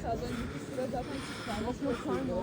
Az önceki sıra zaten çıkarmış.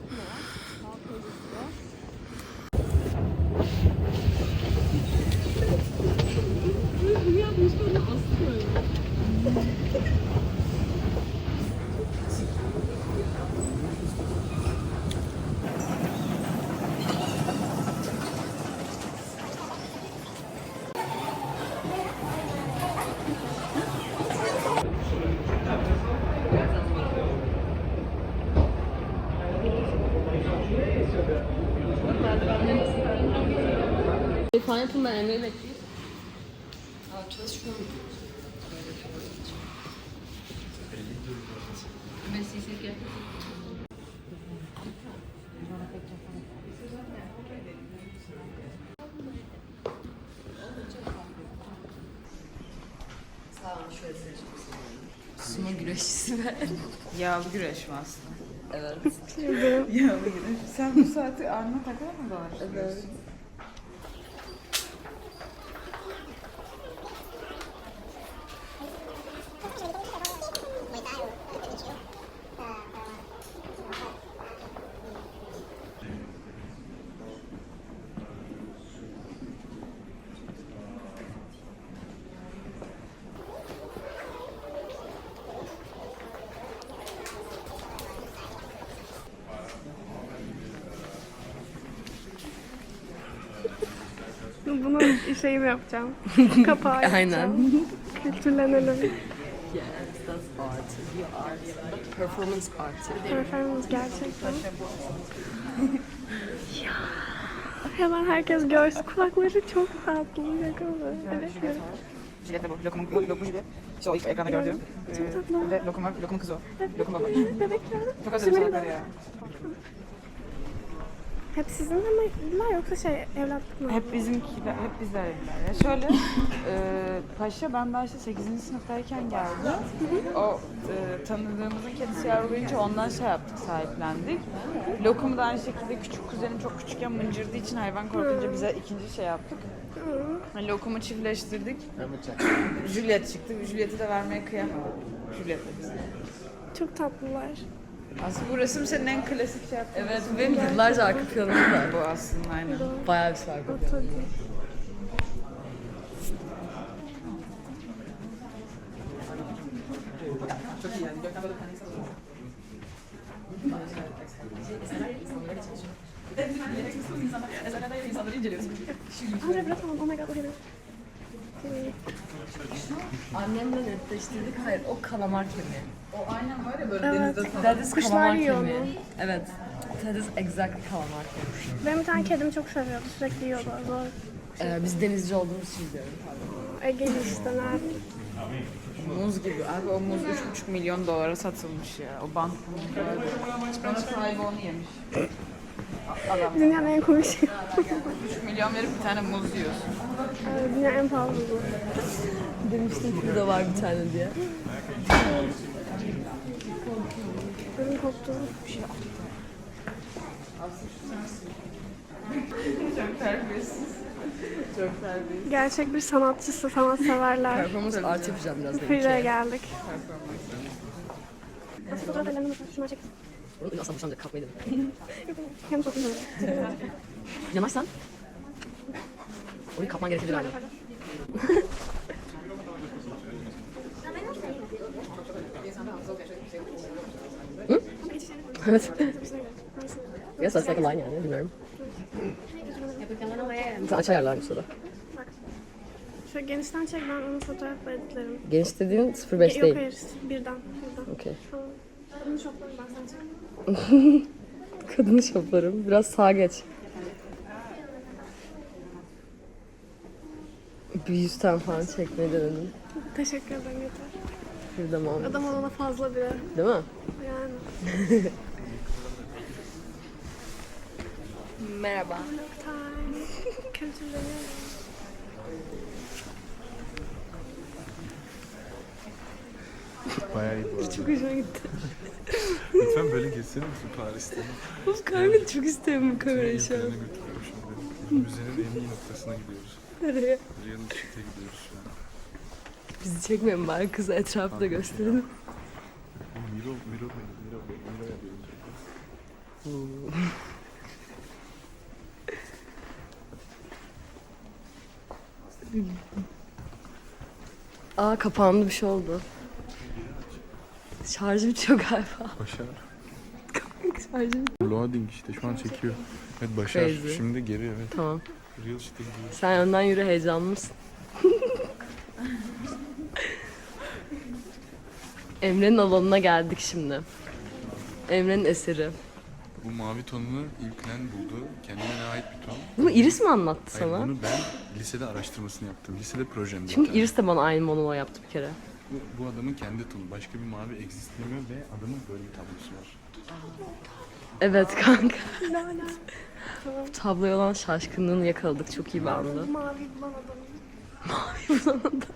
Falan yapın, ben Emre'yi bekleyeyim. Çalışmıyorum. Mesleği gel. Sağ olun, şöyle sumo güreşçisi ben. Yağlı güreş mi aslında? Evet. Yağlı güreş. Sen bu saati Arna takar mı dolaşıyorsun? Evet. Bunu şeyim yapacağım. Kapağı yapacağım. Aynen. Kültürlenelim. Yes, that's art. The art. Performance art. Performance gerçekten. Ya. Hemen herkes görsün. Kulakları çok tatlı. Yakalı. Evet. Jilet de bu. Lokumun jilet. İşte o ilk ekranda gördüğüm. Çok tatlı. Ve lokumun kızı o. Lokum baba. Bebekler. Çok özledim salakları ya. Hep sizin mi bunlar yoksa şey evlatlık mı? Hep bizimkiler, hep bizler evliler. Ya şöyle, Paşa ben daha işte 8. sınıftayken geldi. O tanıdığımızın kedisi yavrulayınca ondan şey yaptık, sahiplendik. Lokumu da aynı şekilde küçük kuzenim çok küçükken mıncırdığı için hayvan korkunca bize ikinci şey yaptık. Yani lokumu çiftleştirdik. Juliet çıktı. Juliet'i de vermeye kıyamadım. Juliet de bize. Çok tatlılar. Aslında bu resim senin en klasik şey yaptığın. Evet, benim yıllarca arka planım var. Bu aslında aynen. Bayağı bir sargı. O tadı. Çok iyi yani. Andre bırakamam. Oh my god. Okay. Annemle netleştirdik. Hayır, o kalamar kemiği. O aynen var ya böyle Evet. denizde That is Kuşlar kalamar yiyor kemiği. onu. Evet. That is exactly kalamar kemiği. Benim bir tane kedim çok seviyordu. Sürekli yiyordu. Zor. Biz denizci olduğumuz için diyorum. Ege'li işte nerede? muz gibi. Abi o muz 3,5 milyon dolara satılmış ya. O bant muz. Bana sahibi onu yemiş. Adam. Dünyanın en komik şeyi. 3 milyon verip bir tane muz yiyorsun. Dünyanın en pahalı bu. Demiştim ki burada var bir tane diye. Benim koptu. Çok terbiyesiz. Çok terbiyesiz. Gerçek bir sanatçısı, sanatseverler. Performans art yapacağım birazdan. Fride'ye geldik. Nasıl fotoğraf ellerini mi? Şuna çek. Bunu asla boşanacak, kalkmayı dedim. Hem çok güzel. Yanaşsan. Orayı kapman gerekebilir galiba. Hı? Evet. Yes, that's like a line yani, bilmiyorum. Sen aç ayarlarmış o da. Şöyle genişten çek, ben onu fotoğrafla editlerim. Geniş dediğin 0.5 Yok değil. hayır, birden. Okey. Tamam. Bunu şoklarım ben sen çek. Kadını şoplarım. Biraz sağa geç. Bir 100 tane falan çekmeyi denedim. Teşekkür ederim yeter. Bir de mam. Adam olana fazla bile. Değil mi? Yani. Merhaba. Time. Kültürleniyorum. Bayağı iyi bu arada. Çok hoşuma gitti. Lütfen böyle geçsene misin Paris'te? Of kanka çok isterim bu kamerayı şu an. Yerine götürüyorum şimdi. Müzenin en iyi noktasına gidiyoruz. Nereye? Real Street'e gidiyoruz şu an. Bizi çekmeyin bari, kıza etrafı da gösterelim. Miro yapıyoruz. Aa kapandı, bir şey oldu. Şarjı bitiyor galiba. Başar. Şarjı Loading işte şu an çekiyor. Evet Başar Crazy. şimdi geri evet. Tamam. Real shit'e gidiyor. Sen önden yürü, heyecanlı mısın? Emre'nin alanına geldik şimdi. Emre'nin eseri. Bu mavi tonunu İlknen buldu. Kendine ait bir ton. Bunu Iris mi anlattı Hayır, sana? bunu ben lisede araştırmasını yaptım. Lisede projemde. Çünkü bir tane. Iris de bana aynı monolog yaptı bir kere. Bu adamın kendi tonu. Başka bir mavi existlemiyor ve adamın böyle bir tablosu var. Evet kanka. Bu tabloya olan şaşkınlığını yakaladık. Çok iyi bir andı. Mavi bulan adamı. Mavi bulan adam.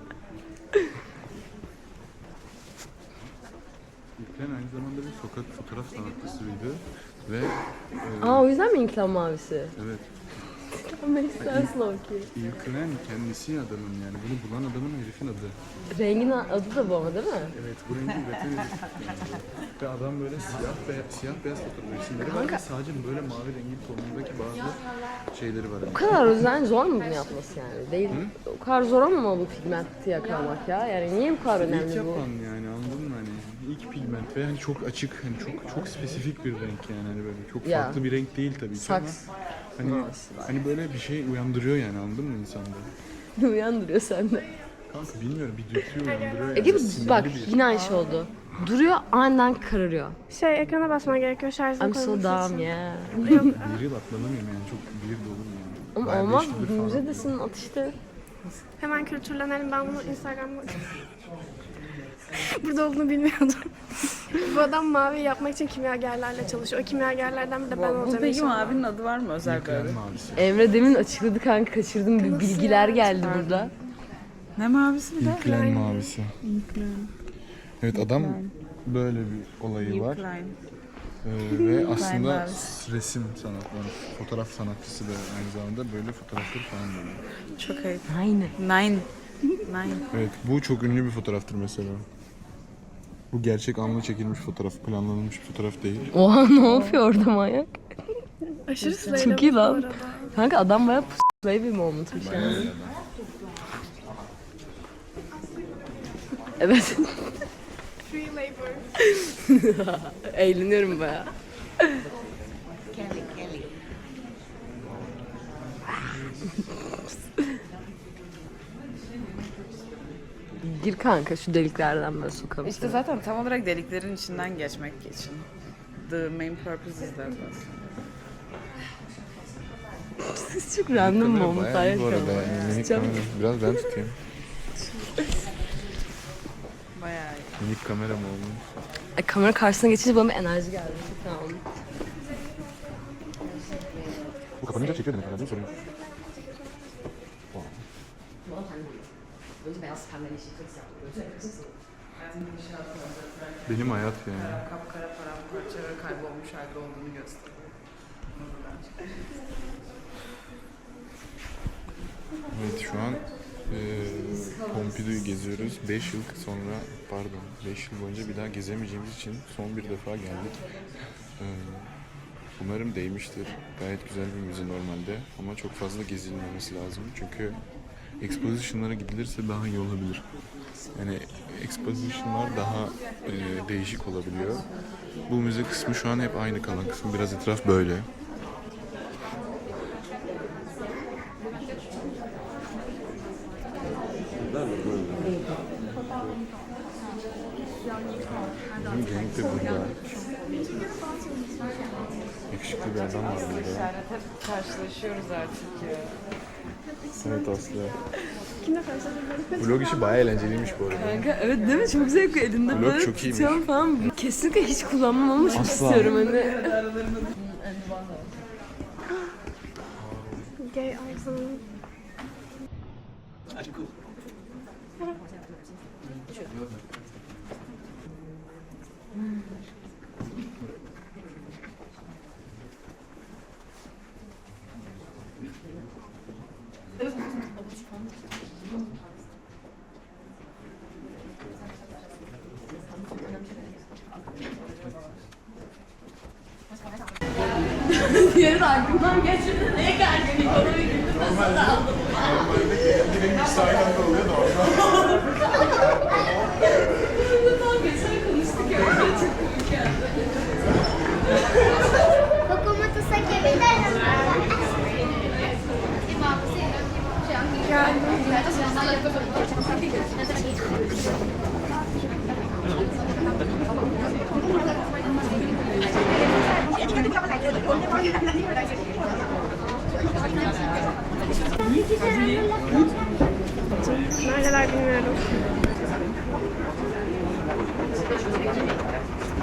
İlknen aynı zamanda bir sokak fotoğraf sanatçısıydı. Ve Aa o yüzden mi İnkılap mavisi? evet. Makes sense Loki. İlknen kendisi adamın yani. Bunu bulan adamın herifin adı. Rengin adı da bu ama değil mi? Evet bu rengi üreten herif. Ve adam böyle siyah beyaz fotoğraf resimleri var ve sadece böyle mavi rengi tonundaki bazı şeyleri var. O kadar özen zor mu bunu yapması yani? Değil. O kadar zor ama bu pigmenti yakalamak ya. Yani niye bu kadar İlk önemli bu? yapan yani anladın mı hani ilk pigment ve hani çok açık hani çok spesifik bir renk yani hani böyle çok Ya. farklı bir renk değil tabii ki ama Saks. hani böyle bir şey uyandırıyor yani anladın mı insanda? Ne uyandırıyor sende? Kanka bilmiyorum bir dürtü uyandırıyor yani. Ege Sinirli bak bir- yine aynı şey oldu. Duruyor aniden kararıyor. Ekrana basman gerekiyor şarjını I'm so koyması dumb için. yeah. Bir yıl atlanamıyorum yani çok bir yıl olur yani. Ama Bayağı olmaz, 5 yıldır falan müzedesin atıştı. Hemen kültürlenelim. Ben bunu Instagram'da burada olduğunu bilmiyordum. Bu adam mavi yapmak için kimyagerlerle çalışıyor. O kimyagerlerden bir de ben olacağım Buradaki inşallah. mavinin adı var mı özel böyle? Yıkayan mavisi. Emre demin açıkladı kanka, kaçırdım, bir bilgiler geldi burada. Ne mavisi bir de? İlklen mavisi. Evet adam böyle bir olayı var. Klein. Ve aslında mavisi. resim sanatları, fotoğraf sanatçısı da aynı zamanda böyle fotoğrafları falan böyle. Çok ayıp. Aynen. Nine. Evet bu çok ünlü bir fotoğraftır mesela. Bu gerçek anla çekilmiş fotoğraf, planlanmış bir fotoğraf değil. Oha ne yapıyor orada manyak? Aşırı Çok iyi slaylamış bu lan. arada. Kanka adam bayağı baby moment'mış yani. Evet. Free labor. Eğleniyorum bayağı. Gir kanka şu deliklerden böyle sokalım İşte seni. zaten tam olarak deliklerin içinden geçmek için. The main purpose is that aslında. Siz çok random momentlar Bayağı iyi bu arada yaşıyorsunuz. yani. Minik kamera. Biraz ben tutayım. Bayağı iyi. Minik kamera mı olmuş? Kamera karşısına geçince bana bir enerji geldi. Çok sağ olun. Bu kapanınca çekiyor demek herhalde sorun yok. Benim hayat yani. Kapkara paramparça ve kaybolmuş halde olduğunu gösteriyor. Evet şu an Pompidou'yu geziyoruz. 5 yıl sonra pardon 5 yıl boyunca bir daha gezemeyeceğimiz için son bir defa geldik. Umarım değmiştir. Gayet güzel bir müze normalde ama çok fazla gezilmemesi lazım. Çünkü exposition'lara gidilirse daha iyi olabilir. Yani exposition'lar daha değişik olabiliyor. Bu müze kısmı şu an hep aynı kalan kısmı. Biraz etraf böyle. Bizim genç de burada. Yakışıklı bir adam var burada. İşaret hep karşılaşıyoruz artık ya. Evet Aslı. Kimle karşılaşabilirim? Vlog işi bayağı eğlenceliymiş bu arada. Kanka evet değil mi? Çok zevkli. Elinde Vlog böyle çok iyiymiş. tutuyorum falan. Kesinlikle hiç kullanmam ama çok Asla. istiyorum hani. Gay Arzan'ın Diğeri de aklımdan geçirdi. Neye gergin? Bana bir güldü. Mesela da aldım. Direkt ikisi aynı anda oluyor da orada. Daha geçen konuştuk ya. Çok komik geldi. Kokomoto sekebilirim. Neredeler bilmiyorum.